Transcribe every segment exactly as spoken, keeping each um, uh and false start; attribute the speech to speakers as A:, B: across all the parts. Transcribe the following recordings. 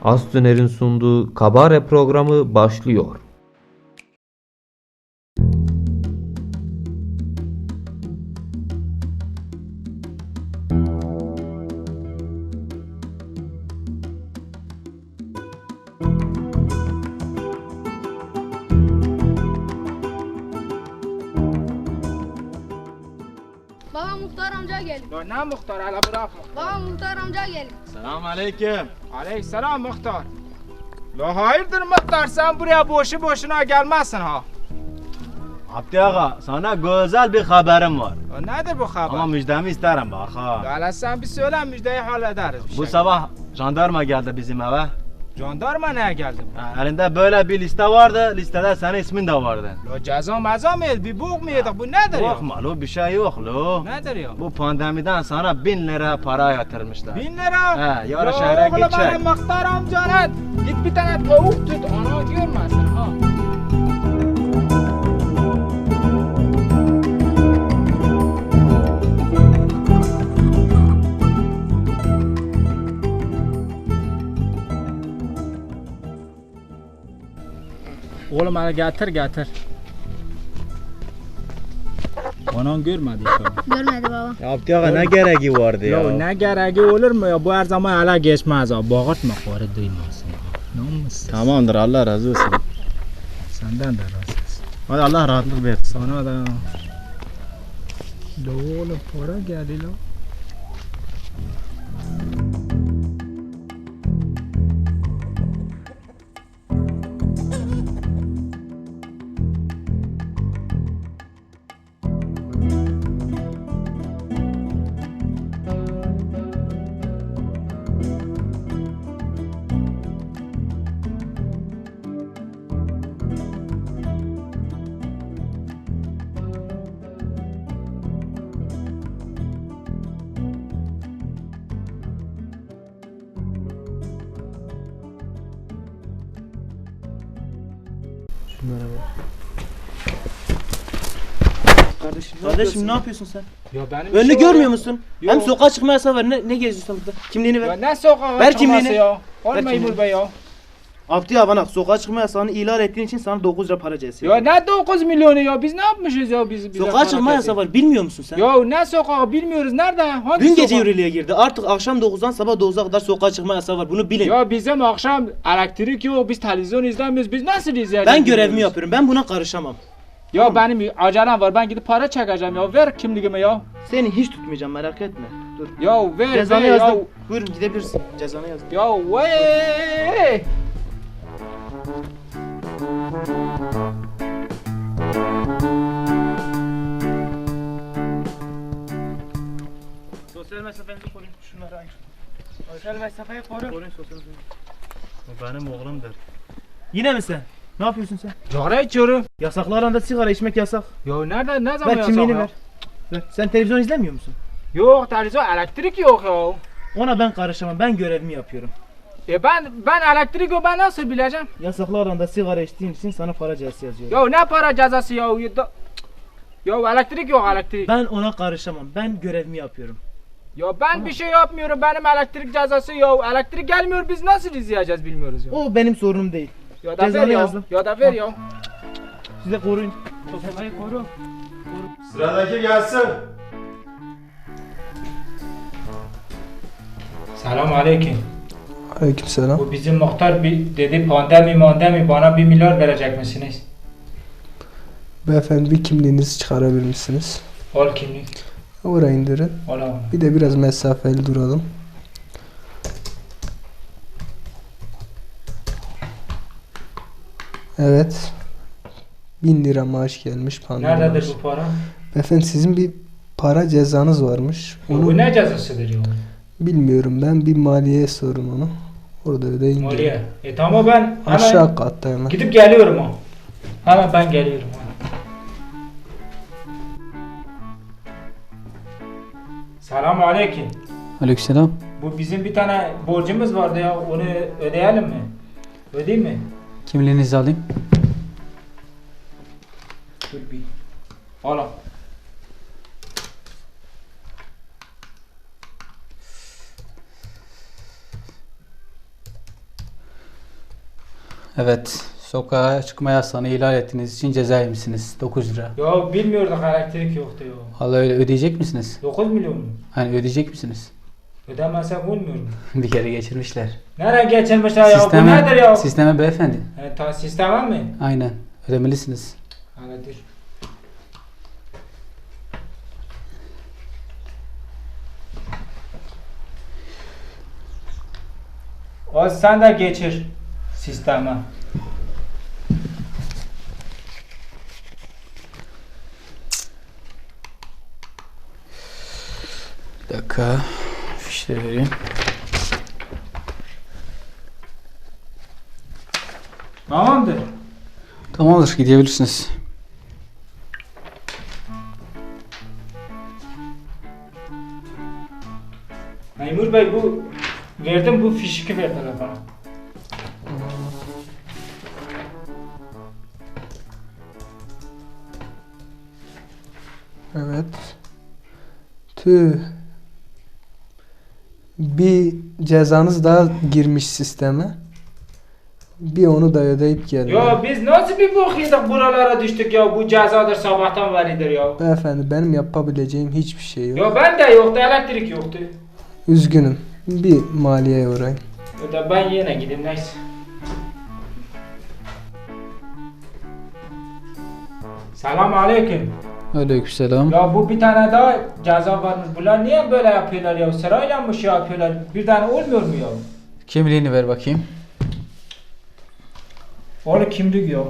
A: Has Döner'in sunduğu Kabare programı başlıyor.
B: Baba muhtar amca geldi.
C: Ya ne muhtar hele bırak.
B: Baba muhtar amca geldi.
D: Selam aleyküm.
C: Aleykümselam muhtar. La hayırdır muhtar, sen buraya boşu boşuna gelmezsin ha.
D: Abdi ağa, sana güzel bir haberim var.
C: Ya nedir bu haber?
D: Ama müjdemi isterim bak ha.
C: Ya hele sen bir söyle, müjdeyi hallederiz. bir
D: Bu
C: şey.
D: sabah jandarma geldi bizim eve.
C: Jandarma neye geldi?
D: Ha, elinde böyle bir liste vardı. Listede senin ismin de vardı.
C: Ya ceza meza mı yedi? Bir bok mu yedik? Bu nedir ya?
D: Yok mu lo, bir şey yok lo.
C: Nedir ya?
D: Bu pandemiden sana bin lira para yatırmışlar.
C: Bin lira.
D: He, yarın
C: Ya
D: şehre
C: oğlum
D: gidecek.
C: benim muhtar amcana git bir tane tavuk tut, ana görmesin ha. Oğlum hadi getir getir. Anan görmedi inşallah.
B: Görmedi baba.
D: Ya Abdi ağa ne gereği vardı ya?
C: Ya ne gereği olur mu ya? Bu her zaman hala geçmez ha. Bağırtma karı duymasın ha. Namussuz.
D: Tamamdır, Allah razı olsun.
C: Senden de razı olsun.
D: Hadi Allah rahatlık versin.
C: Sana da. La oğlum para geldi la.
E: Kardeşim, Kardeşim ne yapıyorsun sen?
C: Ya benim
E: Önünü
C: işim
E: görmüyor
C: var.
E: musun?
C: Yok.
E: Hem sokağa çıkma yasağı var. Ne, ne geziyorsun burada? Kimliğini
C: Ya
E: ver.
C: ne sokağa
E: Ver
C: çıkması
E: kimliğini.
C: ya?
E: Ver
C: Olma
E: kimliğini.
C: İmur Bey ya.
E: Abdi abi bana sokağa çıkma yasağını ihlal ettiğin için sana dokuz lira para cezası
C: Ya
E: yazıyorum.
C: ne dokuz milyonu ya? Biz ne yapmışız ya? Biz bize
E: Sokağa çıkma
C: para
E: yasağı var. Bilmiyor musun sen?
C: Ya ne sokağı bilmiyoruz. Nerede? Hangi
E: Dün gece
C: sokak?
E: yürürlüğe girdi. Artık akşam dokuzdan sabah dokuza kadar sokağa çıkma yasağı var. Bunu bilin.
C: Ya bizim akşam elektrik yok. Biz televizyon izlemiyoruz. Biz nasıl izleyeceğiz?
E: Ben görevimi
C: bilmiyoruz.
E: yapıyorum. Ben buna karışamam.
C: Ya benim acelem var. Ben gidip para çekeceğim ya. Ver kimliğimi ya.
E: Seni hiç tutmayacağım, merak etme. Dur.
C: Ya ver
E: Cezanı
C: ver ya.
E: yazdım. Buyurun gidebilirsin. Cezanı yazdım.
C: Ya vey.
E: Sosyal mesafenizi koruyun. Şunları ayır. Sosyal mesafeyi koru. Koruyun sosyal mesafeyi.
D: O benim oğlumdur.
E: Yine mi sen? Ne yapıyorsun sen?
C: Cigara içiyorum.
E: Yasaklı alanda sigara içmek yasak.
C: Ya nerede ne zaman
E: Ver
C: yasak
E: kimliğini
C: ya?
E: ver. Ver. Sen televizyon izlemiyor musun?
C: Yok televizyon elektrik yok ya.
E: Ona ben karışamam. Ben görevimi yapıyorum.
C: E ben ben elektrik yok, ben nasıl bileceğim?
E: Yasaklı alanda sigara içtiğin için sana para cezası yazıyorum.
C: Ya ne para cezası ya? Ya, da- ya elektrik yok elektrik.
E: Ben ona karışamam. Ben görevimi yapıyorum.
C: Ya ben bir şey yapmıyorum, benim elektrik cezası ya. Elektrik gelmiyor, biz nasıl izleyeceğiz bilmiyoruz ya.
E: O benim sorunum değil.
C: Ya da ver
E: cezanı
C: ya.
E: yazdım.
C: Ya da ver ya.
E: Size koruyun.
C: Sofayı koru.
D: Sıradaki gelsin.
C: Selam aleyküm.
F: Aleykümselam.
C: Bu bizim muhtar bir dedi pandemi mandemi bana bir milyar verecek misiniz?
F: Beyefendi bir kimliğinizi çıkarabilir misiniz?
C: Al kimlik.
F: Oraya indirin.
C: Al al.
F: Bir de biraz mesafeli duralım. Evet. Bin lira maaş gelmiş pandemi
C: Nerededir
F: maaşı.
C: bu para?
F: Beyefendi sizin bir para cezanız varmış.
C: Ya
F: Onu
C: bu ne cezasıdır ya?
F: bilmiyorum, ben bir maliyeye sorun onu. Orada ödeyin.
C: Maliye. E tamam ben hemen
F: Aşağı katta hemen.
C: gidip geliyorum ha. Hemen ben geliyorum ha. Selamun aleyküm.
G: Aleykümselam.
C: Bu bizim bir tane borcumuz vardı ya, onu ödeyelim mi? Ödeyeyim mi?
G: Kimliğinizi alayım.
C: Dur bir. Al al.
G: Evet. Sokağa çıkma yasağını ihlal ettiğiniz için ceza yemişsiniz. dokuz lira.
C: Ya bilmiyorduk elektrik yoktu ya.
G: Vallahi öyle ödeyecek misiniz?
C: dokuz milyon mu?
G: Hani ödeyecek misiniz?
C: Ödemezsek olmuyor mu?
G: Bir kere geçirmişler.
C: Nereye geçirmişler ya? Bu
G: Sisteme,
C: nedir ya?
G: sisteme beyefendi.
C: He, ta sisteme mi?
G: Aynen. Ödemelisiniz.
C: Öyledir. O sen de geçir sisteme.
G: Bir dakika. Fişleri vereyim.
C: Tamamdır.
G: Tamamdır. Gidebilirsiniz.
C: Memur Bey bu verdim bu fişiki verdiler bana.
F: Evet. Tüh. Bir cezanız daha girmiş sisteme. Bir onu da ödeyip gelin.
C: Ya biz nasıl bir bok yedik buralara düştük ya, bu cezadır sabahtan beridir ya.
F: Beyefendi benim yapabileceğim hiçbir şey yok.
C: Ya ben de yoktu, elektrik yoktu.
F: Üzgünüm. Bir maliyeye uğrayın.
C: Ya da ben yine gideyim neyse. Selam aleyküm.
G: Aleykümselam.
C: Ya bu bir tane daha ceza varmış. Bunlar niye böyle yapıyorlar ya? Sırayla mı şey yapıyorlar? Bir tane olmuyor mu ya?
G: Kimliğini ver bakayım.
C: Oğlum kimlik ya?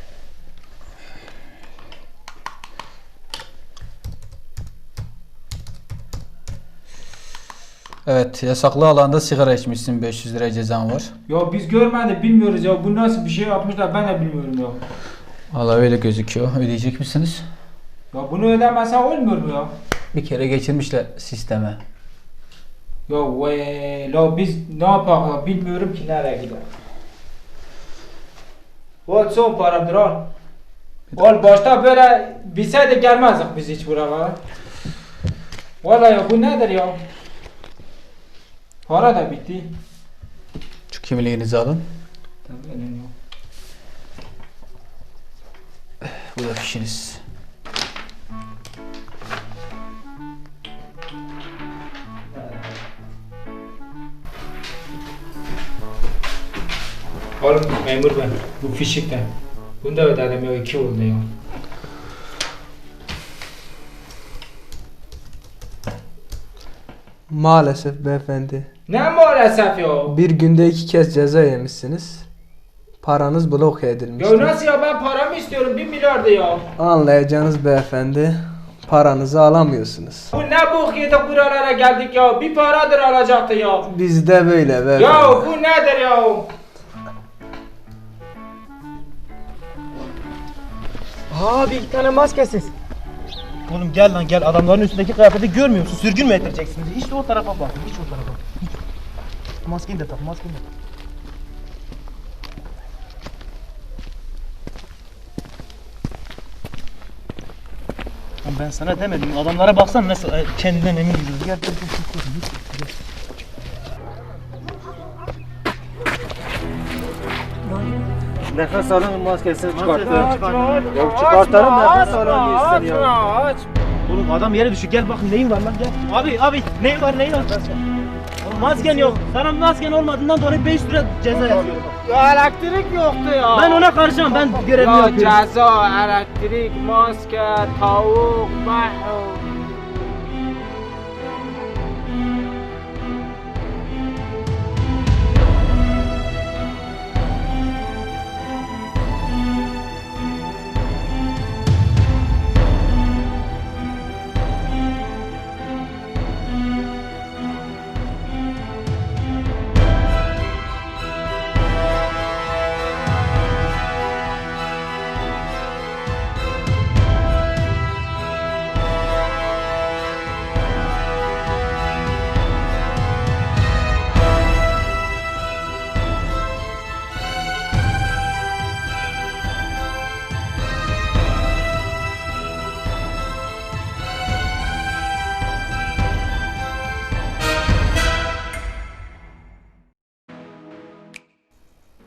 G: Evet. Yasaklı alanda sigara içmişsin. beş yüz lira cezan var.
C: Ya biz görmedik, bilmiyoruz ya. Bu nasıl bir şey yapmışlar ben de bilmiyorum ya.
G: Vallahi öyle gözüküyor. Ödeyecek misiniz?
C: Ya bunu ödemezsen olmuyor mu ya?
G: Bir kere geçirmişler sisteme.
C: Ya vay, la biz ne yapalım ya? Bilmiyorum ki nereye gidelim. Al son paramdır al. Al başta böyle bilseydik gelmezdik biz hiç buralara. Vallahi ya bu nedir ya? Para da bitti.
G: Şu kimliğinizi alın.
C: Tabii önemli yok.
G: Bu da fişiniz.
C: Oğlum memur ben. Bu fişikten. Bunu da ödedim ya, iki oldu ya.
F: Maalesef beyefendi.
C: Ne maalesef ya?
F: Bir günde iki kez ceza yemişsiniz. Paranız blok edilmiştir.
C: Ya nasıl ya, ben paramı istiyorum, bir milyardı ya.
F: Anlayacağınız beyefendi, paranızı alamıyorsunuz.
C: Bu ne bok yedik buralara geldik ya, bir paradır alacaktı ya.
F: Bizde böyle beyefendi.
C: Ya bu nedir ya?
E: Abi iki tane maskesiz. Oğlum gel lan gel, adamların üstündeki kıyafeti görmüyor musun? Sürgün mü ettireceksiniz? Hiç de o tarafa bak, hiç o tarafa. Hiç. Maskeni de tak, maskeni de tak. Lan ben sana demedim, adamlara baksana nasıl e, kendinden emin gidiyor. Gel gel gel, gel, gel, gel. Nefes alın, maskesini çıkartın. Yok çıkartalım, nefes alın diye ya.
C: Aç.
E: Oğlum adam yere düşüyor, gel bakın neyin var lan gel. Abi abi neyin var neyin var? Oğlum masken yok. Sana masken olmadığından dolayı beş lira ceza yazıyorum.
C: Ya elektrik yoktu ya.
E: Ben ona karışamam, ben görevimi
C: Ya
E: yapıyorum.
C: ceza, elektrik, maske, tavuk, mahv.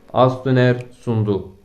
A: Asdöner sundu.